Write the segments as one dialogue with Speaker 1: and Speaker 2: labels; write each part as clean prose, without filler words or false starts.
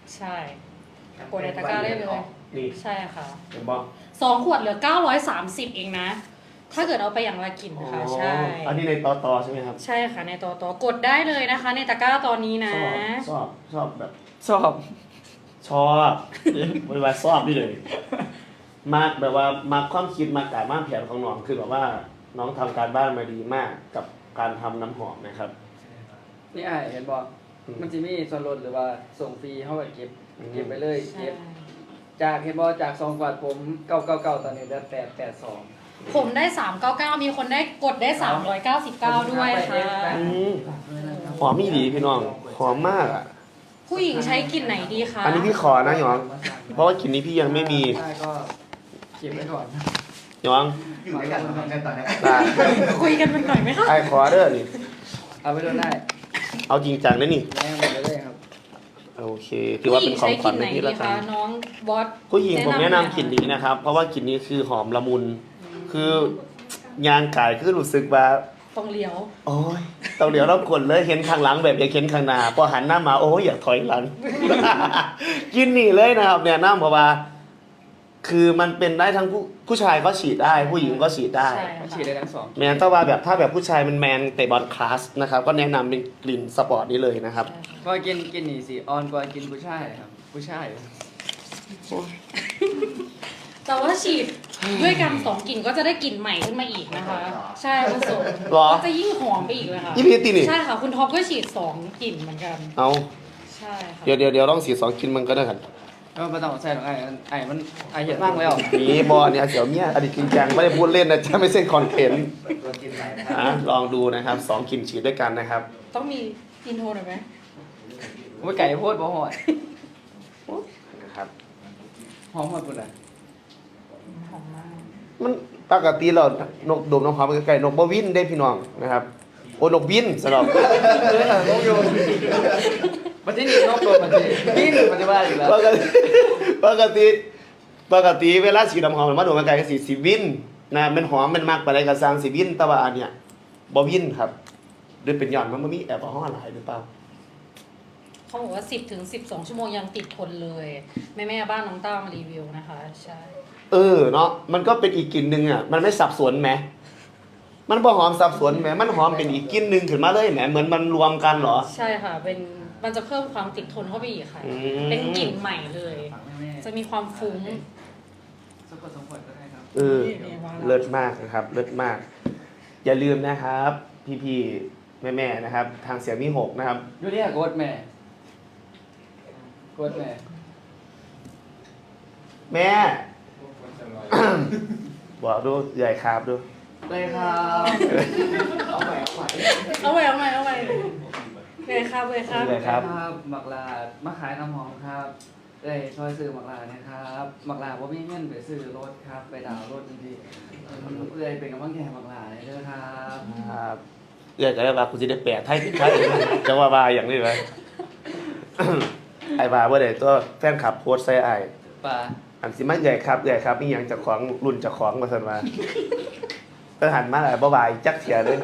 Speaker 1: ใช่กดในตะกร้าได้เลย
Speaker 2: นี่
Speaker 1: ใช่ค่ะ
Speaker 2: เห็นบอก
Speaker 1: 2 ขวดเหลือ930เองนะถ้าเกิดเอาไปอย่างละกลิ่นนะคะใช่
Speaker 2: อันนี้ในตอใช่ไหมครับ
Speaker 1: ใช่ค่ะในต่อกดได้เลยนะคะในตะกร้าตอนนี้นะ
Speaker 2: ชอบแบบ
Speaker 3: ชอบ
Speaker 2: ไม่ว่าชอบนี่เลยมากแบบว่ามาความคิดมาการบ้านแผนของน้องคือแบบว่าน้องทำการบ้านมาดีมากกับการทำน้ำหอมนะครับ
Speaker 3: นี่ไอ้เห็นบอกมันจะมีส่วนลดหรือว่าส่งฟรีเข้าไปเก็บไปเลยเก็บจากเห็นบอกจาก2 ขวดผม999ตอนนี้เหลือ882
Speaker 1: ผมได้399มีคนได้กดได้399ด้วยค่ะ
Speaker 2: หอมไม่ดีพี่น้องหอมมากอ่ะ
Speaker 1: ผู้หญิงใช้กลิ่นไหนดีคะ
Speaker 2: อันนี้พี่ขอนะหยองเพราะว่ากลิ่นนี้พี่ยังไม่มี
Speaker 3: ใช่ก็เก็บไว้ก่อน
Speaker 2: หยอง
Speaker 4: อยู่ด้วยกันตอนนี้
Speaker 1: คุยกันเป็นหน่อยไหมคะ
Speaker 2: ไอ้ขอเด้อนี่
Speaker 3: เอาไปโดนได้
Speaker 2: เอาจริงจังนะนี่
Speaker 3: แม่หมดเลยครับ
Speaker 2: โอเคถือว่าเป็นของขวัญในที่ละกัน
Speaker 1: น้องบอส
Speaker 2: ผู้หญิงผมแนะนำกลิ่นนี้นะครับเพราะว่ากลิ่นนี้คือหอมละมุนคือยางกายคือรู้สึกว่า
Speaker 1: ต้องเลี้ยว
Speaker 2: โอ้ยต้องเดี๋ยวเรากดเลยเห็นข้างหลังแบบอยากเห็นข้างหน้าพอหันหน้ามาโอ้ยอยากถอยหลัง กินนี่เลยนะครับเนี่ยน้ำเพราะว่าคือมันเป็นได้ทั้งผู้ชายก็ฉีดได้ผู้หญิงก็ฉีดได้
Speaker 3: ฉีดได้ทั้ง2
Speaker 2: แมนแต่ว่าแบบถ้าแบบผู้ชายมันแมนเตะบอลคลาสนะครับก็แนะนำเป็นกลิ่นสปอร์ตนี้เลยนะครับ
Speaker 3: ก็กินนี่สิออนกว่ากินผู้ชายครับผู้ชาย
Speaker 1: แต่ว่าฉีดด้วยกัน2 กลิ่นก็จะได้กลิ่นใหม่ขึ้นมาอีกนะคะใช่ผสมก็จะยิ่งหอมไปอีกเลยค่ะ
Speaker 2: ยี่พีตีนี่
Speaker 1: ใช่ค่ะคุณท็อปก็ฉีด2 กลิ่นเหมือนกัน
Speaker 2: เอา
Speaker 1: ใช่ค่ะ
Speaker 2: เดี๋ยวต้องฉีด2 กลิ่นมันก็ได้กัน
Speaker 3: ก็ไม่ต้องใส่หรอกไอ้มันเห็นบ้างแล้ว
Speaker 2: นี่บอเนี่ยเสี่ยวเมียอดีตจริงจังไม่ได้พูดเล่นนะจะไม่เส้นคอนเทนต์ลองดูนะครับ2 กลิ่นฉีดด้วยกันนะครับ
Speaker 1: ต้องมีอินโทรหน่อยไหม
Speaker 3: ว่าไก่โพดบ่หอด
Speaker 2: นะครับ
Speaker 3: หอมหอดปุ่นอ่ะ
Speaker 1: หอมมาก
Speaker 2: มันปกติเรานกดมน้ำหอมไก่นกบ่วินได้พี่น้องนะครับโอ้นกบินสำหรับ
Speaker 3: นกโยนมันที่นี่นกโดนมันที่บินมันจะว่าอยู่แล้ว
Speaker 2: ปกติเวลาฉีดน้ำหอมมันมาโดนไก่ก็สีวินนะมันหอมมันมากไปได้กระซังสีวินแต่ว่าอันเนี้ยบ่วินครับด้วยเป็นหย่อนมันมีแอลกอฮอล์หลายหรือเปล่า
Speaker 1: เขาบอกว่า10 ถึง 12 ชั่วโมงยังติดทนเลยแม่บ้านน้องต้ามารีวิวนะคะใช่
Speaker 2: เนาะมันก็เป็นอีกกลิ่นนึงอ่ะมันไม่สับสนไหมมันบ่หอมสับสนไหมมันหอมเป็นอีกกลิ่นนึงขึ้นมาเลยแหมเหมือนมันรวมกันเหรอ
Speaker 1: ใช่ค่ะมันจะเพิ่มความติดทนเข้าไปอีกค่ะเป็นกลิ่นใหม่เลยจะมีความฟุ้ง
Speaker 3: สมผลก็ได้ครับ
Speaker 2: เลิศมากนะครับเลิศมากอย่าลืมนะครับพี่แม่นะครับทางเสียงมี6นะครับ
Speaker 3: อยู่นี่กดแม่
Speaker 2: บอกดูใหญ่ครับดู
Speaker 3: เลยครับ
Speaker 1: เอาใหม่เลยครับ
Speaker 3: หมักลามาขายน้ำหอมครับเลยช่วยซื้อหมักลานะครับหมักลาว่ามีเงินไปซื้อรถครับไปดาวรถจริงๆเลยเป็นกำลังใจหมักลาเลยครับ
Speaker 2: เกิดอะไรบ้างคุณจะได้แปะไทยติดไทยจะว่าบาอย่างนี้ไหมไอ้บาว่าเดี๋ยวตัวแฟนคลับโพสใส่ไอ้
Speaker 3: ป่า
Speaker 2: อันสิมาใหญ่ครับนี่ยังจะของรุ่นจะของมาสันมาก็หันมาอะไรบ่ายจักเสียเลย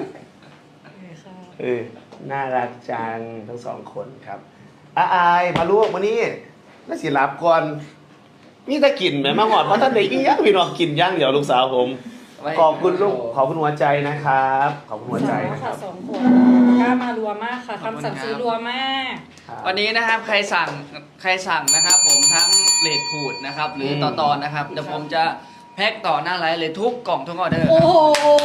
Speaker 2: น่ารักจังทั้ง2 คนครับอายมาลูกมานี่แล้วสิรับก่อนมีตะกินไหมมาหอดเพราะท่านเด็กยังพี่น้องกินย่างเดี๋ยวลูกสาวผมขอบคุณลูกขอบคุณหัวใจนะครับขอบคุณหัวใจ
Speaker 1: นะครับ2 คนกล้ามารัวมากค่ะคำสั่งซื้อรัวมาก
Speaker 3: วันนี้นะครับใครสั่งนะครับผมทั้งเลดพูดนะครับหรือต่อนะครับเดี๋ยวผมจะแพ็คต่อหน้าไลฟ์เลยทุกกล่องทุกออเดอร์
Speaker 1: โอ้โห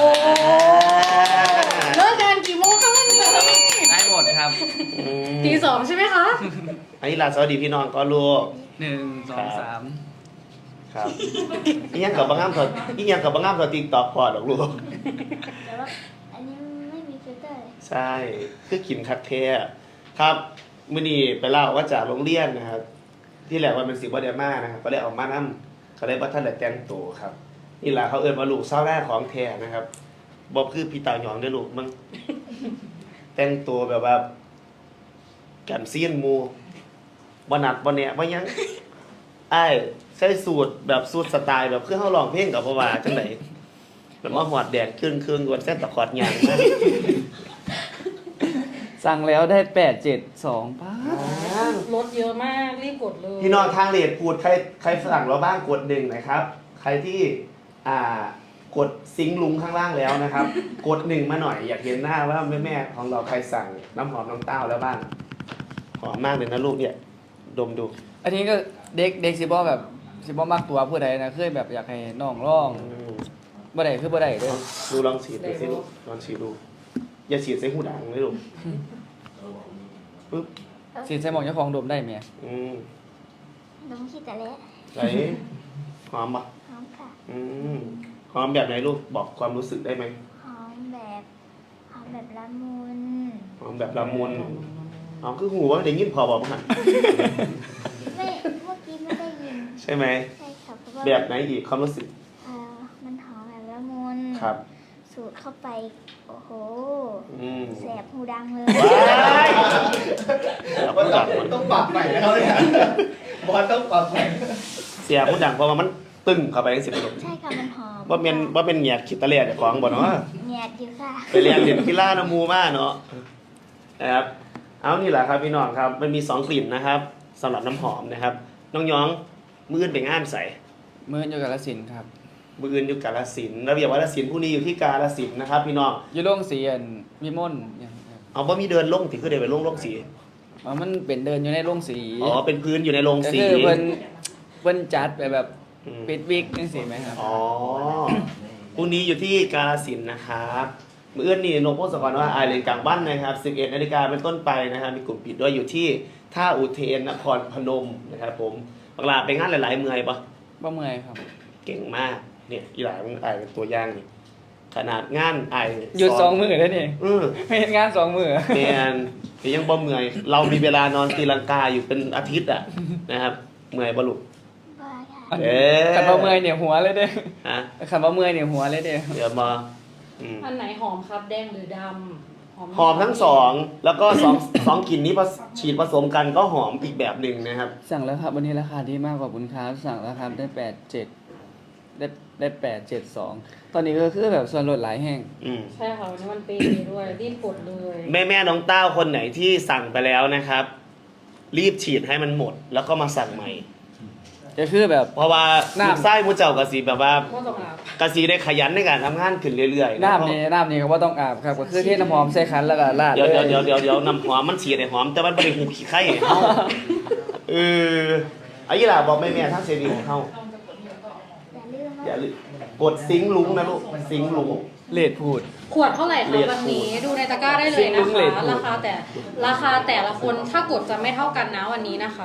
Speaker 1: เลิกงานกี่โมงคะวันนี้
Speaker 3: ได้หมดครับ
Speaker 1: ตี 2ใช่ไหมคะ
Speaker 2: อันนี้ลาสวัสดีพี่น้องก็ลูก
Speaker 3: 1 2 3
Speaker 2: ครับอีหยังกับบางงามเขาติ๊กต็อกพอดอกลูก
Speaker 5: แต่ว่าอันนี้ไม่มีฟิลเตอร์
Speaker 2: ใช่คือกินคักแท้ครับมื้อนี้ไปเล่าว่าจากโรงเรียนนะครับที่แหลกวันเป็น10บ่ได้มานะครับก็ได้ออกมานำเขาได้บ่ทันได้แต่งตัวครับนี่ล่ะเขาเอิ้นว่าลูกเศร้าแรกของแท้นะครับบ่คือพี่ตาหยองเด้อลูกมึงแต่งตัวแบบว่าแก่นซีนหมู่บ่นัดบ่แนะบ่หยังอ้ายใส่สูตรแบบสูตรสไตล์แบบคือเฮาร้องเพลงกับบ่ว่าจังได๋แล้วมาหอดแดดครึ่งๆกวนเส้นตะขอดหยัง
Speaker 3: สั่งแล้วได้872ป้า
Speaker 1: ลดเยอะมากรีบกดเลย
Speaker 2: พี่น้องทางเลดพูดใครสั่งเราบ้างกด1หน่อยครับ ใครที่กดซิงค์ลุงข้างล่างแล้วนะครับ กด1มาหน่อยอยากเห็นหน้าว่าแม่ๆของเราใครสั่งน้ำหอมน้องเต้าแล้วบ้างหอมมากเลยนะลูกเนี่ยดมดู
Speaker 3: อันนี้ก็เด็กสิบ่แบบสิบ่มักตัวผู้ใดนะเคยแบบอยากให้น้องร้องบ่ได้คือบ่ได้เด้อ
Speaker 2: ดูลองฉีดดูสิลูกลองฉีดดูอย่าฉีดใส่หูดังเลยลูกปึ๊บ
Speaker 3: สิใส่หมองเจ้าของดมได้แม่
Speaker 5: น้องขี้แต่เละ
Speaker 2: ไหนหอมปะ
Speaker 5: หอมค่ะ
Speaker 2: หอมแบบไหนลูกบอกความรู้สึกได้ไหม
Speaker 5: หอมแบบละมุน
Speaker 2: หอมแบบละมุนหอมคือหูว่าได้ยินพอบอกมั้ง
Speaker 5: ไม่เมื่อกี้ไม่ได้ยิน
Speaker 2: ใช่ไหม
Speaker 5: ใช่ค่ะเพราะว่า
Speaker 2: แบบไหนอีกความรู้สึก
Speaker 5: มันหอมแบบละมุน
Speaker 2: ครับ
Speaker 5: สูดเข้าไปโอ้โห
Speaker 2: ม
Speaker 5: แสบหูดังเลย
Speaker 2: ว้ายแล้วผู้ดังมัน
Speaker 4: ต้องปรับใหม่แล้วเนี่ยบอลต้องปรับใหม่
Speaker 2: เสียผู้ดังเพราะว่ามันตึงเข้าไปทั้ง10
Speaker 5: ใช่ค่ะมันหอม
Speaker 2: ว่าเป็นเหยียดขิดตะเลียดของบ่เนาะ
Speaker 5: แหนดอยู่ค่ะ
Speaker 2: ไปเรียนเรียนกีฬาน้ำมูมาเนาะนะครับเอานี่แหละครับพี่น้องครับมันมี2กลิ่นนะครับสำหรับน้ำหอมนะครับน้องย้องมืออนไปงานใส่
Speaker 3: มื้ออยู่กาฬสินธุ์ครับ
Speaker 2: มืออื่นอยู่กาฬสินธุ์ระเบียบวัฒนศิลป์ผู้นี้อยู่ที่กาฬสินธุ์นะครับพี่น้อง
Speaker 3: อยู่โรงสีอันวิมลอย่างครับ
Speaker 2: เอาบ่มีเดินลงถึงคือเดินไปลงสี
Speaker 3: อ๋อมันเป็นเดินอยู่ในโรงสี
Speaker 2: อ๋อเป็นพื้นอยู่ในโรง
Speaker 3: ก็
Speaker 2: สี
Speaker 3: คือเพิ่นจัดไปแบบ
Speaker 2: อืม
Speaker 3: ปิดวิกจังซี่ไหมครับ
Speaker 2: อ๋อผู้นี้อยู่ที่กาฬสินธุ์นะครับมืออื่นนี่นกพงศกรว่าอายเลนกลางบ้านนะครับ11 นาฬิกาเป็นต้นไปนะครับมีกลุ่มปิดด้วยอยู่ที่ท่าอุเทนนครพนมนะครับผมบังลาไปงานหลายๆเมืองปะ
Speaker 3: บ่เมื่อยครับ
Speaker 2: เก่งมากเนี่ยอีหลายมันอายเป็นตัวอย่างนี่ขนาดงานอาย
Speaker 3: หยุด2มื้อแล้วนี่ ไม่เฮ็ดงาน2มื้อ
Speaker 2: แมนที่ยังบ่เมื่อยเรามีเวลานอนตีลังกาอยู่เป็นอาทิตย์อ่ะนะครับเมื่อยบ่ลูก
Speaker 5: บ้าค่ะ
Speaker 3: อัน
Speaker 2: เอ๊ะ
Speaker 3: คันบ่เมื่อยเนี่ยหัวเลยเด้
Speaker 2: ฮะ
Speaker 3: คันบ่เมื่อยเนี่ยหัวเลยเด้
Speaker 2: เดี๋ยวมา
Speaker 1: อันไหนหอมครับแดงหรือดำ
Speaker 2: หอมทั้งสองแล้วก็สองกลิ่นนี้ฉีดผสมกันก็หอมอีกแบบหนึ่งนะครับ
Speaker 3: สั่งแล้วครับวันนี้ราคาดีมากกว่าบุญค้าสั่งแล้วครับได้87ได้872ตอนนี้ก็คือแบบส่วนลดหลายแห่ง
Speaker 1: ใช่ค่ะวันนี้มันเปย์ด้วยรีบกดเลย
Speaker 2: แม่น้องเต้าคนไหนที่สั่งไปแล้วนะครับ รีบฉีดให้มันหมด แล้วก็มาสั่งใหม่
Speaker 3: ก็คือแบบ
Speaker 2: เพราะว่า
Speaker 3: น้ำ
Speaker 2: ลูกไส้มูเจ้ากะสีแบบว่า
Speaker 1: ก็ต้องอาบ
Speaker 2: กะสีได้ขยันในการทำงานขึ้นเรื่อยๆ
Speaker 3: น้ำนี่ก็ว่าต้องอาบครับก็คือเทน้ำหอมใส่ขันแล้วก็ราด
Speaker 2: เดี๋ยว
Speaker 3: เลย
Speaker 2: เดี๋ยวน้ำหอมมันฉีดไอ้หอมแต่มันไม่ได้หูขี้ไข่เฮาไอ้ยี่หล่าบอกแม่ทั้งเซรีของเฮา
Speaker 5: อย่าลืมว่า
Speaker 2: อย่าลืมกดซิงค์ลุงนะลูกซิงค์ลุง
Speaker 3: เลดพูด
Speaker 1: ขวดเท่าไหร่คะวันนี้ดูในตะกร้าได้เลยนะ
Speaker 3: ซิงค์เล
Speaker 1: คะ
Speaker 3: ท
Speaker 1: ราคาแต่ละคนถ้ากดจะไม่เท่ากันนะวันนี้นะคะ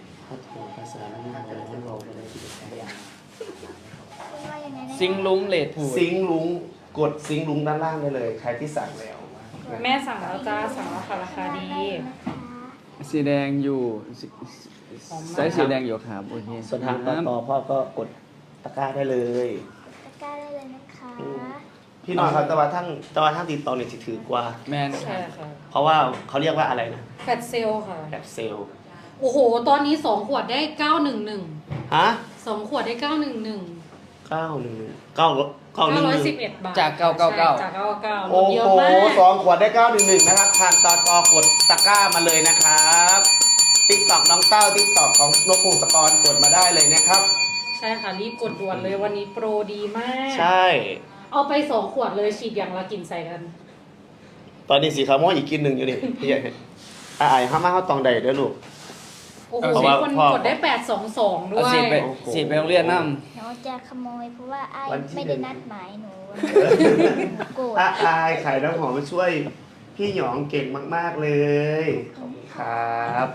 Speaker 5: คุณว่ายังไงนะ
Speaker 3: ซิงลุงเลดพูด
Speaker 2: ซิงค์ลุงกดซิงค์ลุงด้านล่างได้เลย ใครที่สั่งแล้ว
Speaker 1: แม่สั่งแล้วจ้าสั่งแล้วค่ะราคาดี
Speaker 3: สีแดงอยู่
Speaker 1: หอมมาก
Speaker 3: ใส่สีแดงอยู่ครับโอเค
Speaker 2: ส่วนทางต่อพ่อก็กดตะกร้าได้เลย
Speaker 5: ตะกร้าได้เลยนะคะ
Speaker 2: พี่น้องครับแต่ว่าทั้งติดต่อเนี่ยสิถือกว่า
Speaker 3: แมน
Speaker 1: ใช่ค่ะ
Speaker 2: เพราะว่าเขาเรียกว่าอะไรนะ
Speaker 1: แฟตเซลค่ะ
Speaker 2: แบบเซลล์
Speaker 1: โอ้โห ตอนนี้2ขวดได้911
Speaker 2: ฮะ
Speaker 1: 2ขวดได้911
Speaker 2: 911
Speaker 1: บาท
Speaker 3: จาก
Speaker 1: ใช่จาก
Speaker 3: 999
Speaker 1: 999
Speaker 2: โอ้
Speaker 1: เยอะ
Speaker 2: โห
Speaker 1: มาก
Speaker 2: 2 ขวดได้ 911 นะครับ ทางต่อกดตะกร้ามาเลยนะครับติ๊กตอกน้องเต้าติ๊กตอกของนกพงศกรกดมาได้เลยนะครับ
Speaker 1: ใช่ค่ะรีบกดด่วนเลยวันนี้โปรดีมาก
Speaker 2: ใช่
Speaker 1: เอาไป2ขวดเลยฉีดอย่างละกลิ่นใส่กัน
Speaker 2: ตอนนี้สีขาวม่วงอีกกินหนึ่งอยู่นี่พี่ใหญ่ไอ้ห้ามาเข้าตองใดเด้อลูก
Speaker 1: โอ้โห
Speaker 2: เพราะ
Speaker 1: มี
Speaker 2: ว่า
Speaker 1: คน
Speaker 2: พ่อ
Speaker 1: กดได้822ด้
Speaker 3: เอา
Speaker 1: วย
Speaker 3: สีไป
Speaker 2: โอ้โห
Speaker 3: สีไปโรงเรียนน้
Speaker 5: หนูจะขโมยเพราะว่าไอ้
Speaker 2: วันที่
Speaker 5: ไม่ได้นัดหมายหนูโกรธ
Speaker 2: อายขายน้ำหอมมาช่วย พี่หยองเก่งมากๆเลยขอบคุณครับ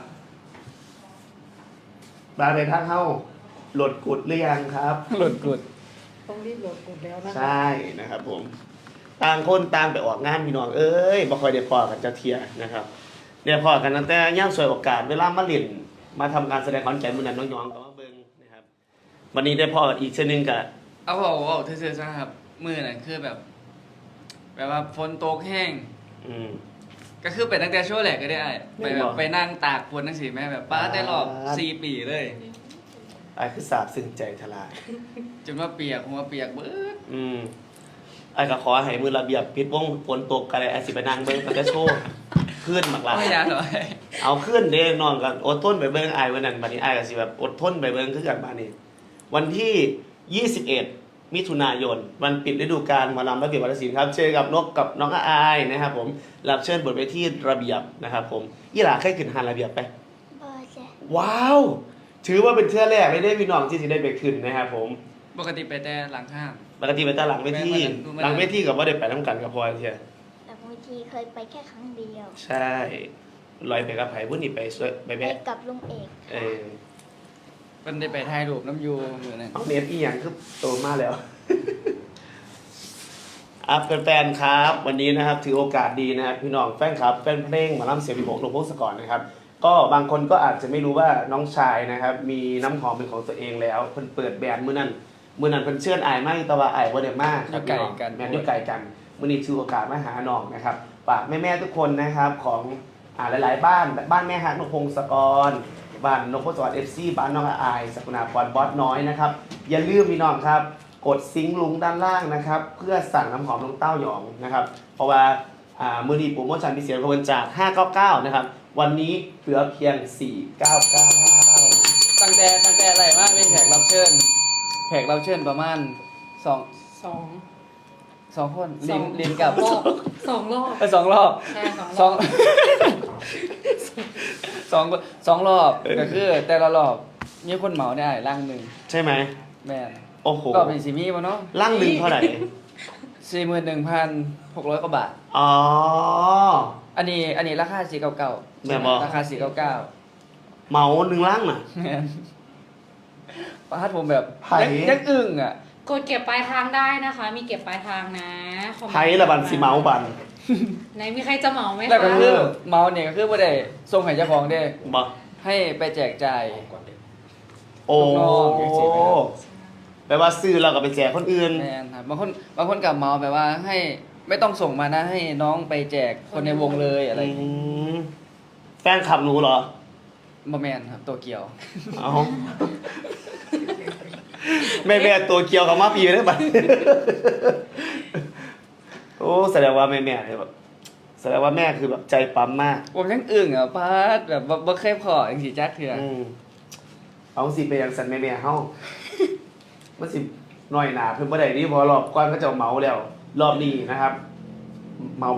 Speaker 2: บาร์เบนทักเข้าโหลดกดหรือยังครับ
Speaker 3: ำหลุดกุด
Speaker 1: ต้องรีบโหลดกดแล้วนะคะ
Speaker 2: ใช่นะครับผมต่างคนต่างไปออกงานพี่น้องเอ้ยบ่ค่อยได้พอกันจะเทียนะครับเนี่ยพอกันตั้งแต่ย่างสวยโอกาสเวลามาเล่นมาทำการแสดงคอนแก่นมื้อนั้นน้องๆก็มาเบิ่งนะครับวันนี้ได้พอกันอีกเช่นนึงกับ
Speaker 3: เอาบอกเธอๆซะครับมือน่ะคือแบบว่าฝนตกแห้ง
Speaker 2: อืม
Speaker 3: ก็คือไปตั้งแต่ช่วงแรกก็ได้ไปแบบไปนั่งตากฝนนั่งสิแม่แบบป้าได้รอบ
Speaker 2: อ่า
Speaker 3: 4 ปีเลย
Speaker 2: ไอ้คือสาบซึ้งใจทลาย
Speaker 3: จนว่าเปียกหัวเปียกเบิด
Speaker 2: ไอ้ก็ขอให้มือระเบียบปิดวงฝนตกกันเลยไอ้สิไปนั่งเบิ่งก็จะโชว์ขึ้นหมากหลาย
Speaker 3: ไม่ยากหรอก
Speaker 2: เอาขึ้นเด้นอนกันอดทนไปเบิ่งอายวันนั้นบัดนี้อายก็สิแบบอดทนไปเบิ่งคือกันบัดนี้ วันที่ 21 มิถุนายน วันปิดฤดูกาลหมอลำระเบียบวัฒนศิลป์ครับเจอกับนกกับน้องอายนะครับผมรับเชิญบทเวทีระเบียบนะครับผมยี่หลาเคยขึ้นหานระเบียบไป
Speaker 5: บอจ้ะ
Speaker 2: ว้าว ถือว่าเป็นเทื่อแรกเลยได้พี่น้องที่สิได้ไปขึ้นนะครับผม
Speaker 3: ปกติไปแต่หลังห้าง
Speaker 2: ปกติไปตาหลังเวที
Speaker 3: ไม่
Speaker 2: หลังเวทีกับว่าได้ไปน้ำกันกับพลอยเทีย
Speaker 5: แต่บางทีเคยไปแค่ครั้งเดียว
Speaker 2: ใช่ลอยไปกับไผ่บุญนี่ไปสวยไป
Speaker 5: ไป
Speaker 2: แวะ
Speaker 5: กับลุงเอก
Speaker 2: เออ
Speaker 3: มันได้ไปถ่ายรูปน้ำยูเหมือนนั้น
Speaker 2: เอาเน็ตอีหยังคือโตมากแล้ว อ่ะแฟนๆครับ วันนี้นะครับถือโอกาสดีนะครับพี่น้องแฟนครับแฟนเพลงหมาล่ำเสียงพิภพหลวงพงศกรนะครับ ก็บางคนก็อาจจะไม่รู้ว่าน้องชายนะครับ มีน้ำหอมเป็นของตัวเองแล้วเพิ่นเปิดแบรนด์มื้อนั้นเพิ่นเชิญอายมากแต่ว่าอายบ่ได้มากครับพี่น้องแม่นอยู่ไกลกันมื้อนี้ถือโอกาสมาหาน้องนะครับฝากแม่ๆทุกคนนะครับของหลายๆบ้านแม่ฮักนกพงศกรบ้านนกพงศกร FC บ้านน้องอายสกุณาพรบอสน้อยนะครับอย่าลืมพี่น้องครับกดซิงค์ลุงด้านล่างนะครับเพื่อสั่งน้ำหอมน้องเต้าหยองนะครับเพราะว่ามื้อนี้โปรโมชั่นพิเศษของเพิ่นจาก599นะครับวันนี้เหลือเพียง499
Speaker 3: ตั้งแต่อะไรมากเป็นแขกรับเชิญประมาณสอง
Speaker 1: สอง
Speaker 3: สองคนลินกับ
Speaker 1: รอบสองรอบ
Speaker 3: สองรอบ
Speaker 1: ใช่สอง
Speaker 3: ส
Speaker 1: ร
Speaker 3: อ
Speaker 1: อง บ
Speaker 3: สองรอบก็คือแต่ละรอบมีคนเหมาได้ร่างหนึ่ง
Speaker 2: ใช่ไหม
Speaker 3: แม่น
Speaker 2: โอ้โห
Speaker 3: รอบเป็นสีมีป่ะเนาะ
Speaker 2: ร่างหนึ่งเท่าไหร่
Speaker 3: 41,600 กว่าบาท
Speaker 2: อ๋อ
Speaker 3: อันนี้ราคา499
Speaker 2: แม่นบ่
Speaker 3: ราคา499
Speaker 2: เหมาหนึ่งร่างน่ะ
Speaker 3: แม่นประทัดผมแบบ
Speaker 2: ไผ่
Speaker 3: ยังอึ้งอ่ะ
Speaker 1: กดเก็บปลายทางได้นะคะ มีเก็บปลายทางนะคอมเมนต์
Speaker 2: ไพ่ละบันสิเมาบัน
Speaker 1: ไหนมีใครจะเหมาไหม
Speaker 3: แล้วก็
Speaker 1: คะ
Speaker 3: คือเมาเนี่ยก็คือบ่ได้ส่งให้เจ้าของเด้
Speaker 2: บ่
Speaker 3: ให้ไปแจกจ่าย
Speaker 2: โอ้
Speaker 3: ลูกน้องอย่างสิไหมครับ
Speaker 2: แปลว่าซื้อเราก็ไปแจกคนอื่น
Speaker 3: แม่นครับบางคนกับเมาแบบว่าให้ไม่ต้องส่งมานะให้น้องไปแจกคนในวงเลยอะไรอย่างงี้
Speaker 2: มแฟนขับหนูเหรอ
Speaker 3: บ่แม่นครับตัวเกี่ยว
Speaker 2: เอาแม่ตัวเกียวกับมาปีได้ปะโอ้แสดงว่าแม่เนี่ยแบบแสดงว่าแม่คือแบบใจปั๊มมาก
Speaker 3: ผมยังอึ้งอ่ะพาดแบบบ่เคยพอจังสิจักเทื่อ
Speaker 2: อืมเอาสิไปยังสันแม่เฮามันสิน้อยหนาเพิ่นบ่ได้นี่เพอรอบก่อนก็จะเหมาแล้ว รอบนี้นะครับ เหมาบ่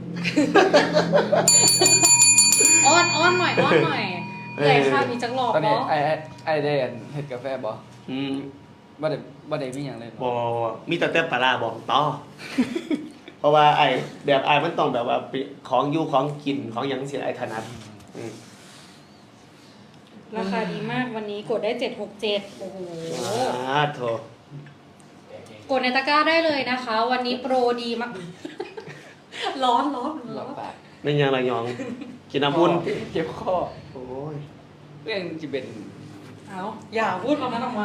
Speaker 1: อ้อนหน่อยเลยค่ะมีจักรอบ
Speaker 3: ตอนนี้
Speaker 1: เนาะ
Speaker 3: ไอ้ได้อันเฮ็ดกาแฟบ่
Speaker 2: อืม
Speaker 3: บ่ได้มีหยังเลย
Speaker 2: บมีแต่ปลาร้าบอกต่อ เพราะว่าไอ้แบบไอ้มันต้องแบบว่าเป็นของอยู่ของกินของหยังเสียไอ้ถนัดอืม
Speaker 1: ราคาดีมากวันนี้กดได้767โอ้โห
Speaker 2: โถ
Speaker 1: กดในตะกร้าได้เลยนะคะ วันนี้โปรดีมาก ร้อน
Speaker 3: หลับปาก
Speaker 2: ไม่ยังระยอง กินน้ำอุ่น
Speaker 3: เจ็บคอ
Speaker 2: โอ้ย
Speaker 3: เรื่องสิเป็น
Speaker 1: เอาอย่าพูดคำนั้นออกมา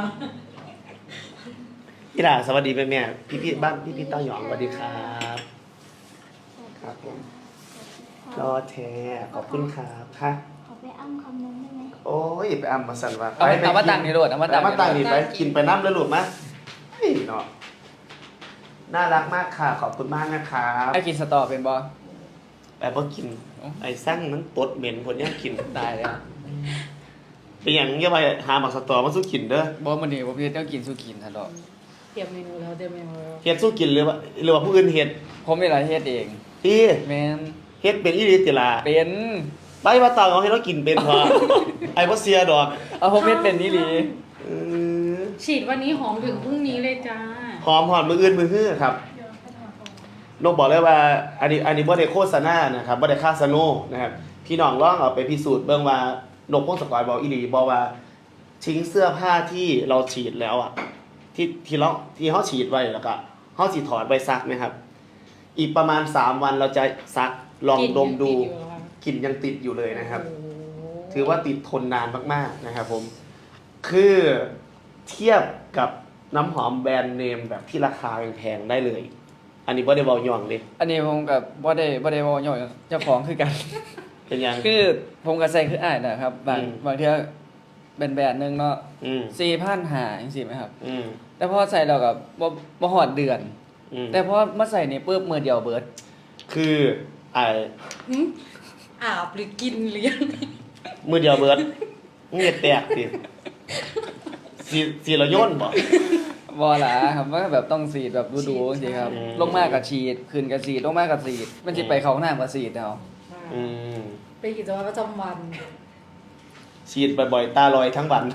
Speaker 2: พี่ดาสวัสดีแม่พี่บ้านพี่เต้าหยองสวัสดีครับครับผมรอแท้ขอบคุณครับค่ะ
Speaker 5: ขอไปอ้ำคำนึงได้ไหม
Speaker 2: โอ้ยไปอ่ำมาสั่นว่า
Speaker 3: เอามาตั้งนี่โลดเอามา
Speaker 2: ไปมาตั้ง
Speaker 3: นี่
Speaker 2: นี่ไปกินไปน้ำแล้วลูกมะเฮ้ยเนาะน่ารักมากค่ะ ขอบคุณมากนะครับ
Speaker 3: ไอ้กินสตอเป็นบ่
Speaker 2: แต่พอกิน ไอ้สั่งมันตดเหม็นคนยังกิน
Speaker 3: ตายแล้ว
Speaker 2: เป็นอย่างเงี้ยไปหาหมักสตอมาสู้กินเด้อ
Speaker 3: บ่มื้อนี้ผมเฮ็ดแนวกินสู้กินซั่นดอก
Speaker 1: เตรียมเมนูแล้ว
Speaker 2: เฮ็ดสู้กินหรือว่าผู้อื่นเฮ็ด
Speaker 3: ผมนี่ล่ะเฮ็ดเอง
Speaker 2: พี่
Speaker 3: แม่น
Speaker 2: เฮ็ดเป็นอีหลีติล่ะ
Speaker 3: เป็น
Speaker 2: ไปว่าตาเอาให้เรากินเป็นพอ ไอ้บ่เสียดอก
Speaker 3: เอาผมเฮ็ดเป็นนี่หลี
Speaker 2: เออ
Speaker 1: ฉีดวันนี้หอมถึงพรุ่งนี้เลยจ้า
Speaker 2: หอมหอมมืออื่นมือฮื้อครับนกบอกเลยว่าอันนี้บ่ได้โฆษณานะครับบ่ได้ค่าสโนนะครับพี่น้องลองเอาไปพิสูจน์เบิ่งว่านกพงศกรบอกอีหลีบอกว่าทิ้งเสื้อผ้าที่เราฉีดแล้วอ่ะที่เฮาฉีดไว้แล้วก็เฮาสิถอดไว้ซักนะครับ อีกประมาณ3วันเราจะซักลองดมดูกลิ่นยังติดอยู่เลยนะครับ ถือว่าติดทนนานมากๆนะครับผมคือเทียบกับน้ำหอมแบรนด์เนมแบบที่ราคาแพงๆได้เลย อันนี้บ่ได้เว้าย่องเด้
Speaker 3: อันนี้ผมกับบ่ได้เว้าย่อยเจ้าของคือกัน
Speaker 2: เป็นหยัง
Speaker 3: คือผมก็ใส่คืออ้ายนะครับบาง
Speaker 2: อืม
Speaker 3: บางเทื่อเป็นแบรนด์หนึงเนาะ
Speaker 2: อืม
Speaker 3: 4,500จังซี่ไหมครับ
Speaker 2: อืม
Speaker 3: แต่พอใส่แล้วก็บ่ฮอดเดือน
Speaker 2: อืม
Speaker 3: แต่พอมาใส่นี่ปึ๊บมือเดียวเบิด
Speaker 2: คือไอ้
Speaker 1: หืมอาบหรือกินหรือยังไง
Speaker 2: มือเดียวเบิดเงียแตกสิสีละย่นบ่
Speaker 3: บอหลาครับว่าแบบต้องสีดแบบดูๆจริงๆครับ
Speaker 2: อืม
Speaker 3: ลงมากกับฉีดขึ้นกับฉีดลงมากกับฉีดมันจะไปเขาหน้ากับฉีดเอา
Speaker 2: อืม
Speaker 1: เป็นกิจวัตรประจำวัน
Speaker 2: ฉีดบ่อยๆตาลอยทั้งวัน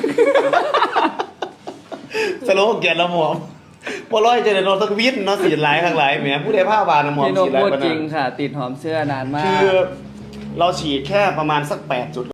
Speaker 2: สโลแกนละหมอมบ่ร้อยจะได้นอนสักวินเนาะสีหลายข้างหลายแหมผู้ใดผ้าวานน่ะหมอม
Speaker 3: พี่นก
Speaker 2: สีหลาย
Speaker 3: พูด
Speaker 2: ปาน
Speaker 3: จ
Speaker 2: นั้
Speaker 3: ริง
Speaker 2: น
Speaker 3: ค่ะ ติดหอมเสื้อนานมา
Speaker 2: คื
Speaker 3: ก
Speaker 2: อเราฉีดแค่ประมาณสัก8จุด